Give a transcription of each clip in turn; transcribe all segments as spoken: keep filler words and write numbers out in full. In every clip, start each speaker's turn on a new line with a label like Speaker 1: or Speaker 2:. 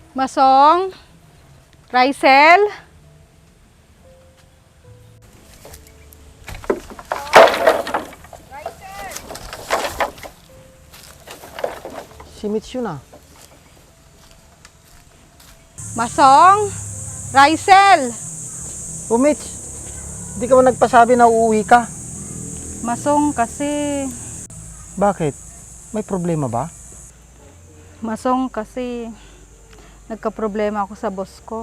Speaker 1: Masong, Rysel,
Speaker 2: Si Mitch yun ah.
Speaker 1: Masong, Rysel.
Speaker 2: O Mitch, di ka ba nagpasabi na uuwi ka?
Speaker 1: Masong kasi,
Speaker 2: Bakit? May problema ba?
Speaker 1: Masong kasi, nagka-problema ako sa boss ko.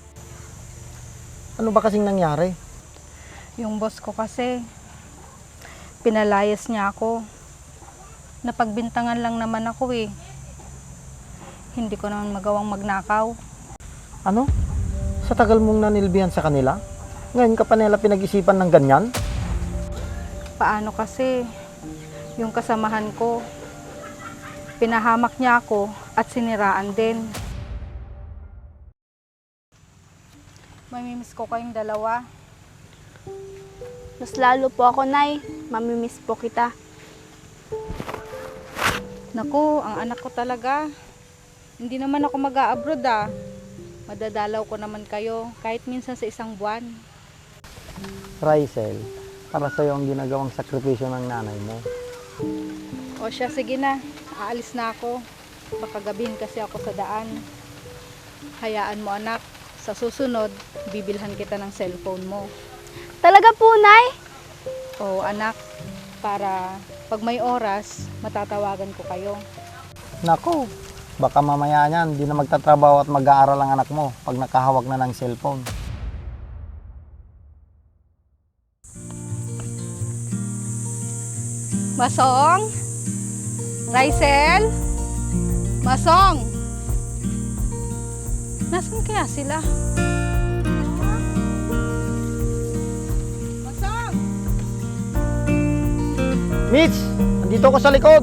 Speaker 2: Ano ba kasing nangyari?
Speaker 1: Yung boss ko kasi, pinalayas niya ako. Napagbintangan lang naman ako eh. Hindi ko naman magawang magnakaw.
Speaker 2: Ano? Sa tagal mong nanilbihan sa kanila? Ngayon ka pa nila pinag-isipan ng ganyan?
Speaker 1: Paano kasi, yung kasamahan ko, pinahamak niya ako at siniraan din. Mamimiss ko kayong dalawa.
Speaker 3: Mas lalo po ako, Nay. Mamimiss po kita.
Speaker 1: Naku, ang anak ko talaga. Hindi naman ako mag-a-abroad ah. Madadalaw ko naman kayo kahit minsan sa isang buwan.
Speaker 2: Rysel, para sa'yo ang ginagawang sakripisyo ng nanay mo.
Speaker 1: O siya, sige na. Aalis na ako. Baka gabihin kasi ako sa daan. Hayaan mo anak. Sa susunod, bibilhan kita ng cellphone mo.
Speaker 3: Talaga po, Nay?
Speaker 1: O anak, para pag may oras, matatawagan ko kayo.
Speaker 2: Naku, baka mamaya niyan, di na magtatrabaho at mag-aaral ang anak mo pag nakahawak na ng cellphone.
Speaker 1: Masong? Rysel? Masong? Nasaan kaya sila? Masong?
Speaker 2: Mitch, andito ako sa likod.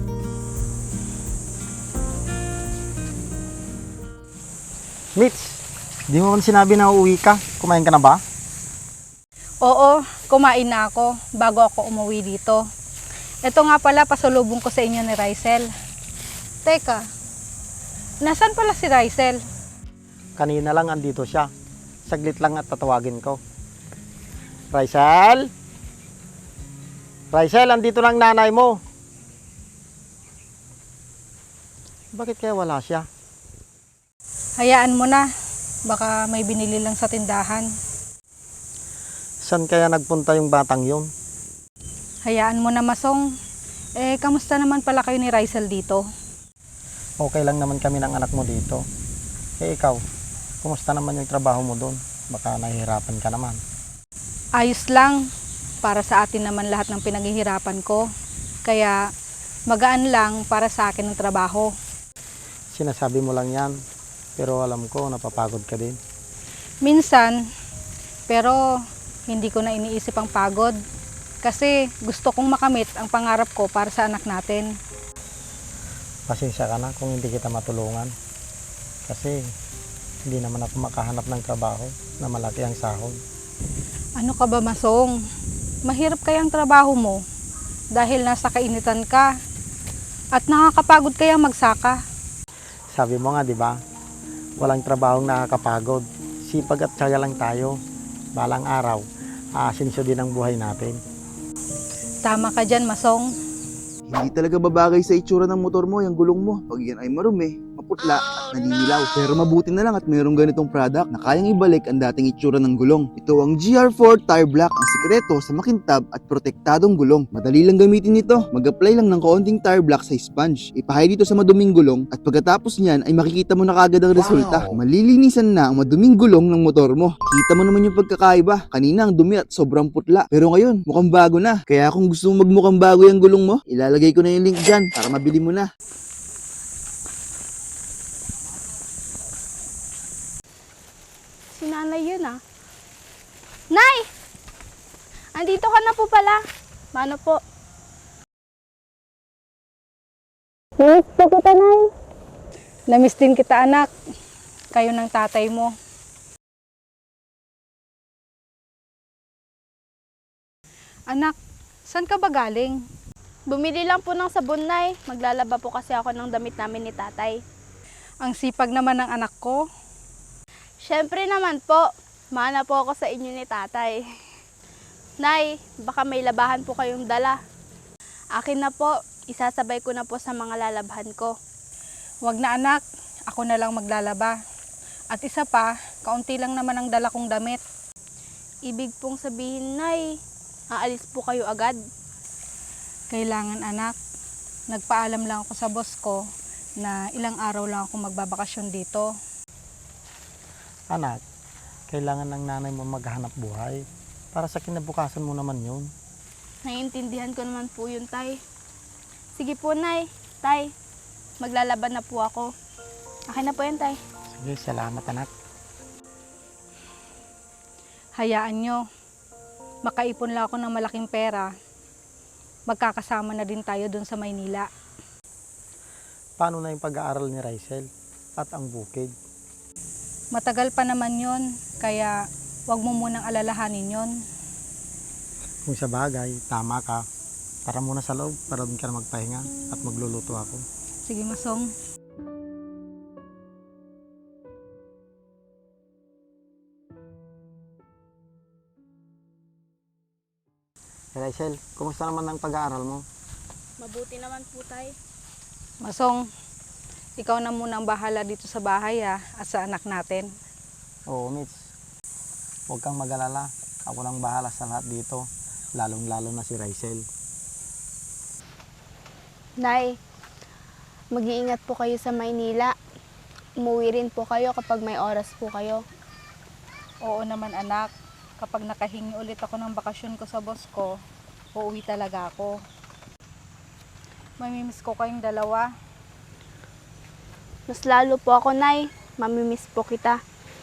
Speaker 2: Mitch, di mo man sinabi na uuwi ka? Kumain ka na ba?
Speaker 1: Oo, kumain na ako bago ako umuwi dito. Ito nga pala, pasalubong ko sa inyo ni Rysel. Teka, nasaan pala si Rysel?
Speaker 2: Kanina lang andito siya. Saglit lang at tatawagin ko. Rysel? Rysel, andito lang nanay mo. Bakit kaya wala siya?
Speaker 1: Hayaan mo na, baka may binili lang sa tindahan.
Speaker 2: Saan kaya nagpunta yung batang yun?
Speaker 1: Hayaan mo na, Masong. Eh, kamusta naman pala kayo ni Rysel dito?
Speaker 2: Okay lang naman kami ng anak mo dito. Eh ikaw, kumusta naman yung trabaho mo doon? Baka nahihirapan ka naman.
Speaker 1: Ayos lang. Para sa atin naman lahat ng pinaghihirapan ko. Kaya magaan lang para sa akin ng trabaho.
Speaker 2: Sinasabi mo lang yan, pero alam ko napapagod ka din.
Speaker 1: Minsan, pero hindi ko na iniisip ang pagod. Kasi gusto kong makamit ang pangarap ko para sa anak natin.
Speaker 2: Pasensya ka na kung hindi kita matulungan. Kasi hindi naman ako makahanap ng trabaho na malaki ang sahod.
Speaker 1: Ano ka ba, Masong? Mahirap kaya ang trabaho mo dahil nasa kainitan ka at nakakapagod kaya magsaka.
Speaker 2: Sabi mo nga, di ba? Walang trabahong nakakapagod. Sipag at tiyaga lang tayo. Balang araw, aasinso din ang buhay natin.
Speaker 1: Tama ka dyan, Masong.
Speaker 4: Hindi talaga babagay sa itsura ng motor mo yung gulong mo. Pag yan ay marumi, maputla at naninilaw. Pero mabuti na lang at mayroong ganitong product na kayang ibalik ang dating itsura ng gulong. Ito ang G R four Tire Black, ang sikreto sa makintab at protektadong gulong. Madali lang gamitin ito. Mag-apply lang ng kaunting tire black sa sponge. Ipahay dito sa maduming gulong at pagkatapos niyan ay makikita mo na kagad ang resulta. Malilinisan na ang maduming gulong ng motor mo. Kita mo naman yung pagkakaiba. Kanina ang dumi at sobrang putla. Pero ngayon, mukhang bago na. Kaya kung gusto mo magmukhang bago yung gulong mo, ilalagay ko na yung link dyan para mabili mo na.
Speaker 3: Si Nanay yun, ah. Nay! Andito ka na po pala. Mano po?
Speaker 1: Namiss po kita, Nay. Namiss din kita, anak. Kayo ng tatay mo. Anak, saan ka ba galing?
Speaker 3: Bumili lang po ng sabon, Nay. Maglalaba po kasi ako ng damit namin ni tatay.
Speaker 1: Ang sipag naman ng anak ko.
Speaker 3: Siyempre naman po, mana po ako sa inyo ni tatay. Nay, baka may labahan po kayong dala. Akin na po, isasabay ko na po sa mga lalabhan ko.
Speaker 1: Wag na anak, ako na lang maglalaba. At isa pa, kaunti lang naman ang dala kong damit.
Speaker 3: Ibig pong sabihin, Nay, aalis po kayo agad.
Speaker 1: Kailangan anak, nagpaalam lang ako sa boss ko na ilang araw lang ako magbabakasyon dito.
Speaker 2: Anak, kailangan ng nanay mo maghanap buhay. Para sa kinabukasan mo naman yun.
Speaker 3: Naiintindihan ko naman po yun, Tay. Sige po, Nay. Tay, maglalaban na po ako. Akin na po yan, Tay.
Speaker 2: Sige, salamat anak.
Speaker 1: Hayaan nyo, makaipon lang ako ng malaking pera. Magkakasama na din tayo dun sa Maynila.
Speaker 2: Paano na yung pag-aaral ni Rysel at ang bukid?
Speaker 1: Matagal pa naman yon, kaya wag mo munang alalahanin yon.
Speaker 2: Kung sa bagay, tama ka. Tara muna sa loob para doon ka na magpahinga at magluluto ako.
Speaker 1: Sige, Masong.
Speaker 2: Rysel, kumusta naman ang pag-aaral mo?
Speaker 3: Mabuti naman po, Tay.
Speaker 1: Masong, ikaw na muna ang bahala dito sa bahay ha, at sa anak natin.
Speaker 2: Oo, Mitch. Huwag kang mag-alala. Ako nang bahala sa lahat dito. Lalong-lalo na si Rysel.
Speaker 3: Nay, mag-iingat po kayo sa Maynila. Umuwi rin po kayo kapag may oras po kayo.
Speaker 1: Oo naman anak, kapag nakahingi ulit ako ng bakasyon ko sa boss ko, uuwi talaga ako. Mamimiss ko kayong dalawa.
Speaker 3: Mas lalo po ako, Nay. Mamimiss po kita.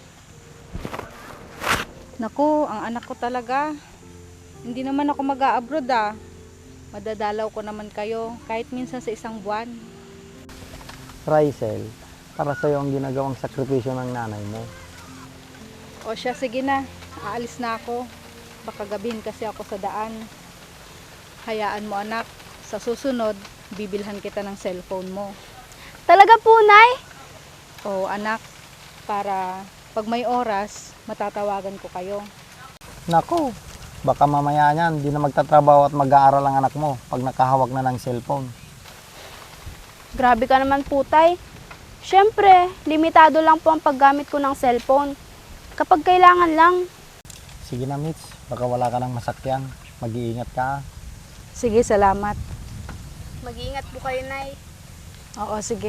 Speaker 1: Naku, ang anak ko talaga. Hindi naman ako mag-a-abroad ah. Madadalaw ko naman kayo kahit minsan sa isang buwan.
Speaker 2: Rysel, para sa'yo ang ginagawang sakripisyo ng nanay mo.
Speaker 1: O siya, sige na. Aalis na ako. Baka gabihin kasi ako sa daan. Hayaan mo anak. Sa susunod, bibilhan kita ng cellphone mo.
Speaker 3: Talaga po, Nay?
Speaker 1: O anak, para pag may oras, matatawagan ko kayo.
Speaker 2: Naku, baka mamaya niyan, di na magtatrabaho at mag-aaral ang anak mo pag nakahawak na ng cellphone.
Speaker 3: Grabe ka naman po, Tay. Siyempre, limitado lang po ang paggamit ko ng cellphone. Kapag kailangan lang.
Speaker 2: Sige na, Mitch. Baka wala ka ng masakyan. Mag-iingat ka.
Speaker 1: Sige, salamat.
Speaker 3: Mag-iingat po kayo, Nay.
Speaker 1: Oo, sige.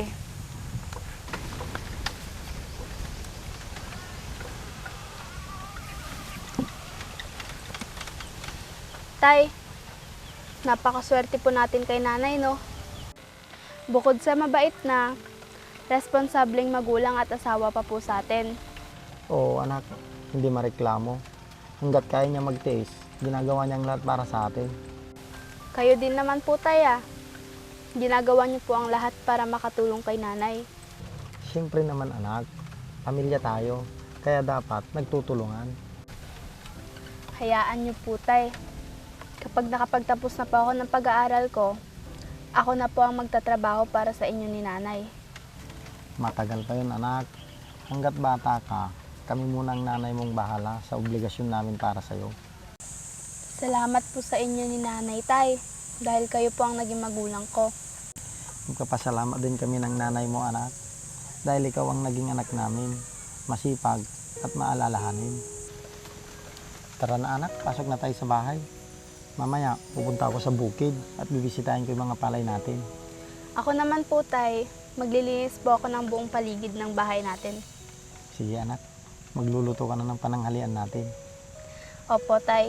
Speaker 3: Tay, napakaswerte po natin kay nanay, no? Bukod sa mabait na, responsableng magulang at asawa pa po sa atin.
Speaker 2: Oo, anak. Hindi mareklamo. Hanggat kaya niya magtiis, ginagawa niyang lahat para sa atin.
Speaker 3: Kayo din naman po, Tay, ah. Ginagawa niyo po ang lahat para makatulong kay nanay.
Speaker 2: Siyempre naman, anak. Pamilya tayo. Kaya dapat nagtutulungan.
Speaker 3: Hayaan niyo po, Tay. Kapag nakapagtapos na po ako ng pag-aaral ko, ako na po ang magtatrabaho para sa inyo ni nanay.
Speaker 2: Matagal pa yun, anak. Hanggat bata ka, kami muna ang nanay mong bahala sa obligasyon namin para sa'yo.
Speaker 3: Salamat po sa inyo ni nanay, Tay. Dahil kayo po ang naging magulang ko.
Speaker 2: Magpapasalamat din kami ng nanay mo, anak. Dahil ikaw ang naging anak namin. Masipag at maalalahanin. Tara na, anak. Pasok na tayo sa bahay. Mamaya, pupunta ako sa bukid at bibisitahin ko yung mga palay natin.
Speaker 3: Ako naman po, Tay. Maglilinis po ako ng buong paligid ng bahay natin.
Speaker 2: Sige, anak. Magluluto ka na ng pananghalian natin.
Speaker 3: Opo, Tay.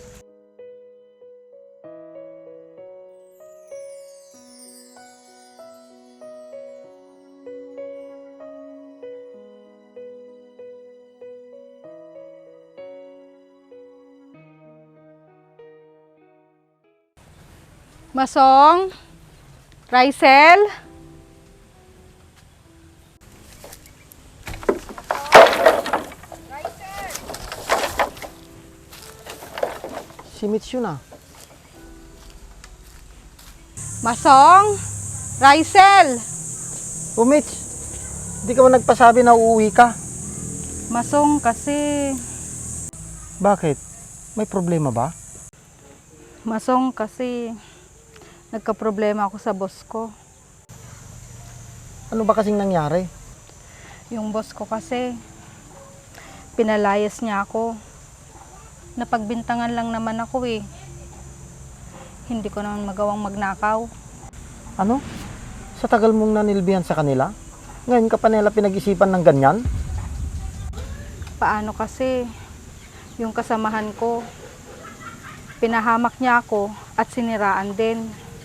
Speaker 1: Masong, Rysel,
Speaker 2: Si Mitch yun ah.
Speaker 1: Masong, Rysel.
Speaker 2: Oh, Mitch. Di ka ba nagpasabi na uuwi ka?
Speaker 1: Masong, kasi...
Speaker 2: Bakit? May problema ba?
Speaker 1: Masong, kasi... Nagka-problema ako sa boss ko.
Speaker 2: Ano ba kasing nangyari?
Speaker 1: Yung boss ko kasi... Pinalayas niya ako. Napagbintangan lang naman ako eh. Hindi ko naman magawang magnakaw.
Speaker 2: Ano? Sa tagal mong nanilbihan sa kanila? Ngayon ka pa nila pinag-isipan ng ganyan?
Speaker 1: Paano kasi? Yung kasamahan ko, pinahamak niya ako at siniraan din.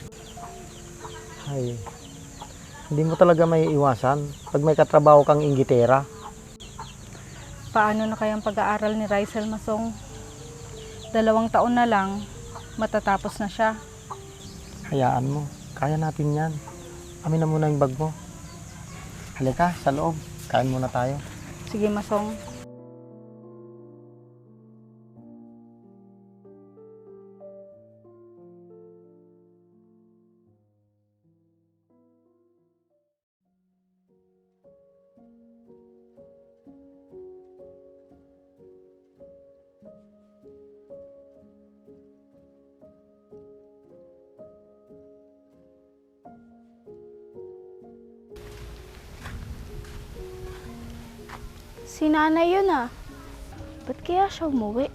Speaker 2: Ay, hindi mo talaga may iwasan pag may katrabaho kang inggitera.
Speaker 1: Paano na kayang pag-aaral ni Rysel, Masong? Dalawang taon na lang, matatapos na siya.
Speaker 2: Hayaan mo, kaya natin yan. Amin na muna yung bag mo. Halika, sa loob. Kain muna tayo.
Speaker 1: Sige, Masong.
Speaker 3: Si nanay yun ah. Ba't kaya siya umuwi?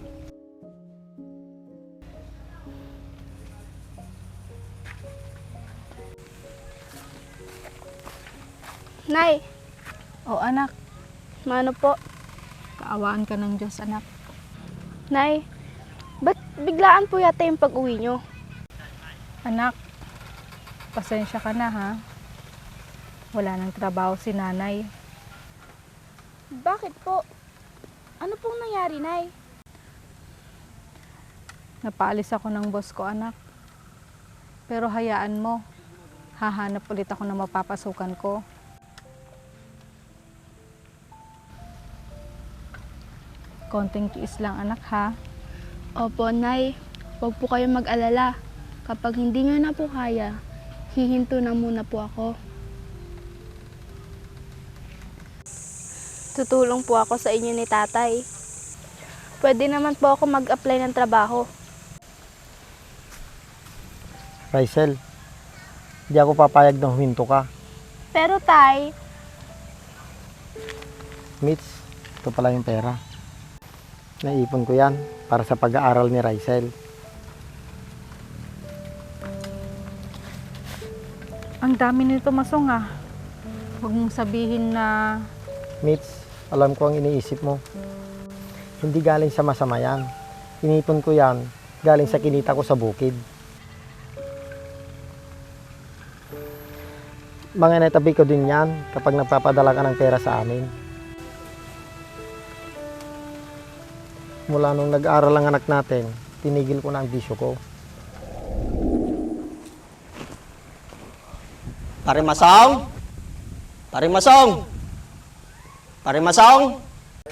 Speaker 3: Nay,
Speaker 1: O anak,
Speaker 3: mano po?
Speaker 1: kaawaan ka ng Diyos, anak.
Speaker 3: Nay, ba't biglaan po yata yung pag-uwi nyo?
Speaker 1: Anak, pasensya ka na ha. Wala nang trabaho si nanay.
Speaker 3: Bakit po? Ano pong nangyari, Nay?
Speaker 1: Napaalis ako ng boss ko, anak. Pero hayaan mo, hahanap ulit ako ng mapapasukan ko. Konting tiis lang, anak, ha?
Speaker 3: Opo, Nay. Huwag po kayong mag-alala. Kapag hindi nyo na po kaya, hihinto na muna po ako. Tutulong po ako sa inyo ni tatay. Pwede naman po ako mag-apply ng trabaho.
Speaker 2: Rysel, hindi ako papayag na huminto ka.
Speaker 3: Pero tay,
Speaker 2: Mitch, ito pala yung pera. Naipon ko yan para sa pag-aaral ni Rysel.
Speaker 1: Ang dami nito, Masong, ah. Huwag mong sabihin na...
Speaker 2: Mitch, alam ko ang iniisip mo. Hindi galing sa masama yan. Inipon ko yan galing sa kinita ko sa bukid. Mga netabi ko din yan kapag nagpapadala ka ng pera sa amin. Mula nung nag-aaral ang anak natin, tinigil ko na ang bisyo ko.
Speaker 5: Pare Masong? Pare Masong? Pare Masong?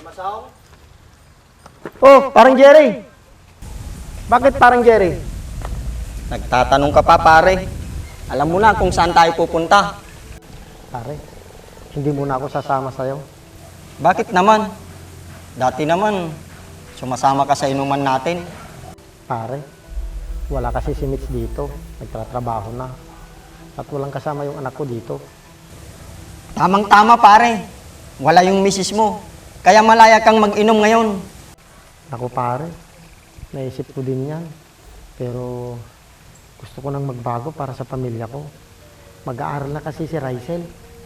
Speaker 2: Oh, parang Jerry! Bakit parang Jerry?
Speaker 5: Nagtatanong ka pa, pare. Alam mo na kung saan tayo pupunta.
Speaker 2: Pare, hindi muna ako sasama sa'yo.
Speaker 5: Bakit naman? Dati naman, sumasama ka sa inuman natin.
Speaker 2: Pare, wala kasi si Mitch dito. Nagtatrabaho na. At walang kasama yung anak ko dito.
Speaker 5: Tamang-tama, pare. Wala yung misis mo. Kaya malaya kang mag-inom ngayon.
Speaker 2: Ako pare, naisip ko din yan. Pero gusto ko nang magbago para sa pamilya ko. Mag-aaral na kasi si Rysel.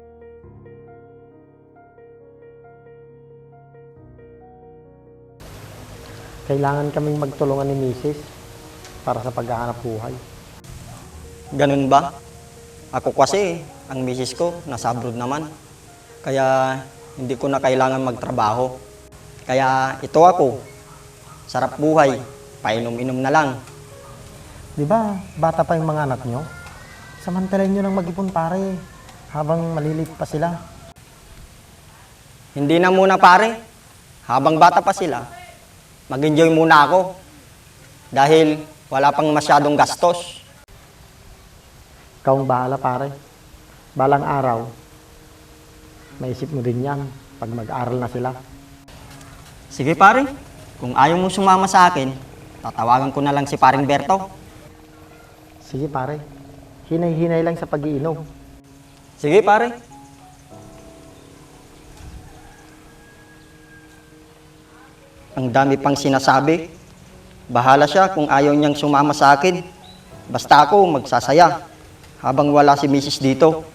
Speaker 2: Kailangan kaming magtulungan ni misis para sa paghahanap buhay.
Speaker 5: Ganun ba? Ako kasi, ang misis ko, nasa abroad naman. Kaya hindi ko na kailangan magtrabaho. Kaya ito ako, sarap buhay, painom-inom na lang.
Speaker 2: Di ba, bata pa yung mga anak nyo? Samantalin nyo nang mag-ipon pare, habang malilit pa sila.
Speaker 5: Hindi na muna pare, habang bata pa sila, mag-enjoy muna ako. Dahil wala pang masyadong gastos.
Speaker 2: Ikaw ang bahala pare. Balang araw, Maisip mo din yan pag mag-aral na sila.
Speaker 5: Sige pare, kung ayaw mo sumama sa akin, tatawagan ko na lang si paring Berto.
Speaker 2: Sige pare, hinay-hinay lang sa pag-iinom.
Speaker 5: Sige pare. Ang dami pang sinasabi. Bahala siya kung ayaw niyang sumama sa akin. Basta ako magsasaya habang wala si misis dito.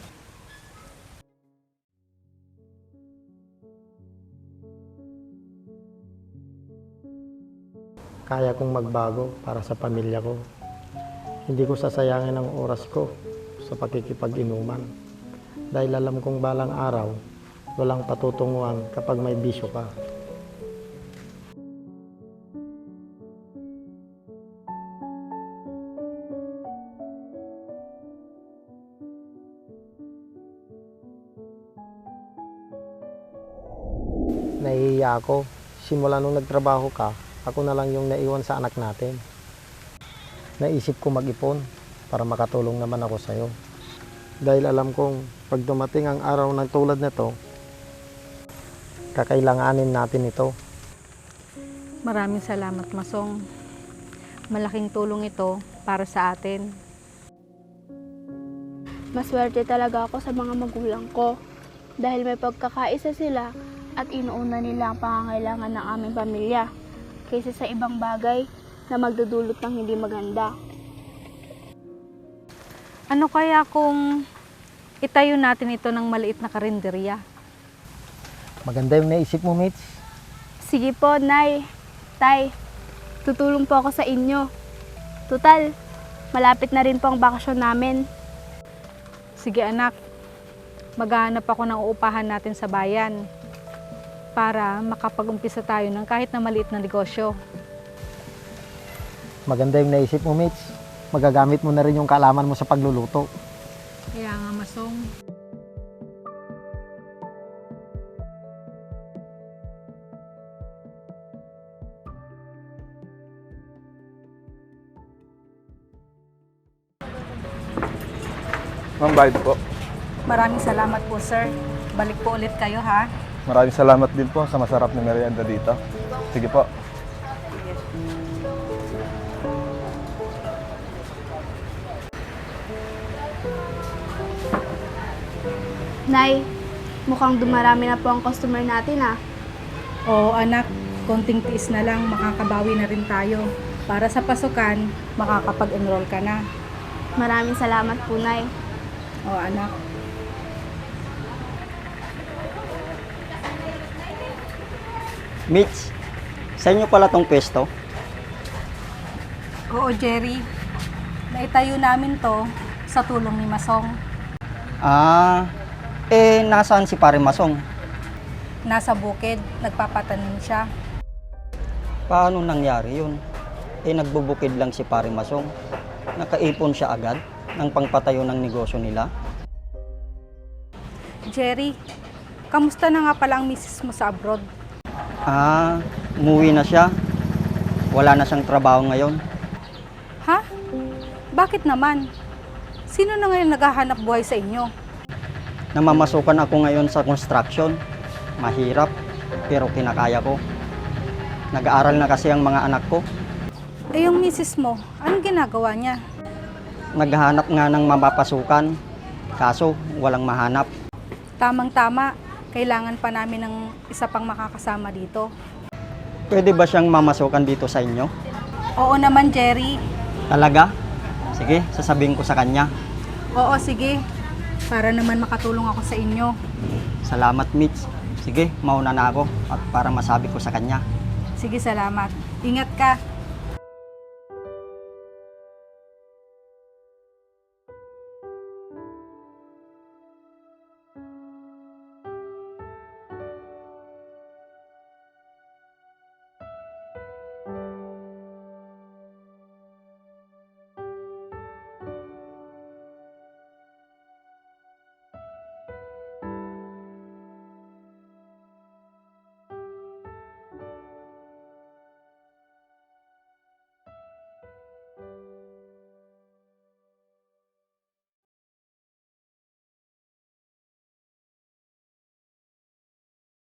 Speaker 2: Kaya kong magbago para sa pamilya ko. Hindi ko sasayangin ang oras ko sa pakikipag-inuman. Dahil alam kong balang araw, walang patutunguhan kapag may bisyo ka. Nahihiya ako. Simula nung nagtrabaho ka, ako na lang yung naiwan sa anak natin. Naisip ko mag-ipon para makatulong naman ako sa'yo. Dahil alam kong pag dumating ang araw ng tulad nito, kakailanganin natin ito.
Speaker 1: Maraming salamat, Masong. Malaking tulong ito para sa atin.
Speaker 3: Maswerte talaga ako sa mga magulang ko dahil may pagkakaisa sila at inuuna nila ang pangangailangan ng aming pamilya kaysa sa ibang bagay na magdudulot ng hindi maganda.
Speaker 1: Ano kaya kung itayo natin ito ng maliit na karinderya?
Speaker 2: Maganda yung naisip mo, Mitch.
Speaker 3: Sige po, Nay. Tay, tutulong po ako sa inyo. Tutal, malapit na rin po ang bakasyon namin.
Speaker 1: Sige anak, maghahanap ako ng uupahan natin sa bayan para makapag-umpisa tayo ng kahit na maliit na negosyo.
Speaker 2: Maganda yung naisip mo, Mitch. Magagamit mo na rin yung kaalaman mo sa pagluluto.
Speaker 1: Kaya nga, Masong.
Speaker 6: Ma'am, bayad po.
Speaker 1: Maraming salamat po, sir. Balik po ulit kayo, ha?
Speaker 6: Maraming salamat din po sa masarap na merienda dito. Sige po.
Speaker 3: Nay, mukhang dumarami na po ang customer natin ah.
Speaker 1: Oo, anak. Konting tiis na lang, makakabawi na rin tayo. Para sa pasukan, makakapag-enroll ka na.
Speaker 3: Maraming salamat po, Nay.
Speaker 1: Oo, anak.
Speaker 5: Mitch, sa inyo pala tong pwesto?
Speaker 1: Oo, Jerry. Naitayo namin to sa tulong ni Masong.
Speaker 5: Ah, eh nasaan si pare Masong?
Speaker 1: Nasa bukid, nagpapatanim siya.
Speaker 5: Paano nangyari yun? Eh nagbubukid lang si pare Masong. Nakaipon siya agad ng pangpatayo ng negosyo nila.
Speaker 1: Jerry, kamusta na nga pala ang misis mo sa abroad?
Speaker 5: Ah, umuwi na siya. Wala na siyang trabaho ngayon.
Speaker 1: Ha? Bakit naman? Sino na ngayon naghahanap buhay sa inyo?
Speaker 5: Namamasukan ako ngayon sa construction. Mahirap, pero kinakaya ko. Nag-aaral na kasi ang mga anak ko.
Speaker 1: Eh yung misis mo, anong ginagawa niya?
Speaker 5: Naghahanap nga ng mapapasukan, kaso walang mahanap.
Speaker 1: Tamang-tama, kailangan pa namin ng isa pang makakasama dito.
Speaker 5: Pwede ba siyang mamasukan dito sa inyo?
Speaker 1: Oo naman, Jerry.
Speaker 5: Talaga? Sige, sasabihin ko sa kanya.
Speaker 1: Oo, sige. Para naman makatulong ako sa inyo.
Speaker 5: Salamat, Mitch. Sige, mauna na ako at para masabi ko sa kanya.
Speaker 1: Sige, salamat. Ingat ka.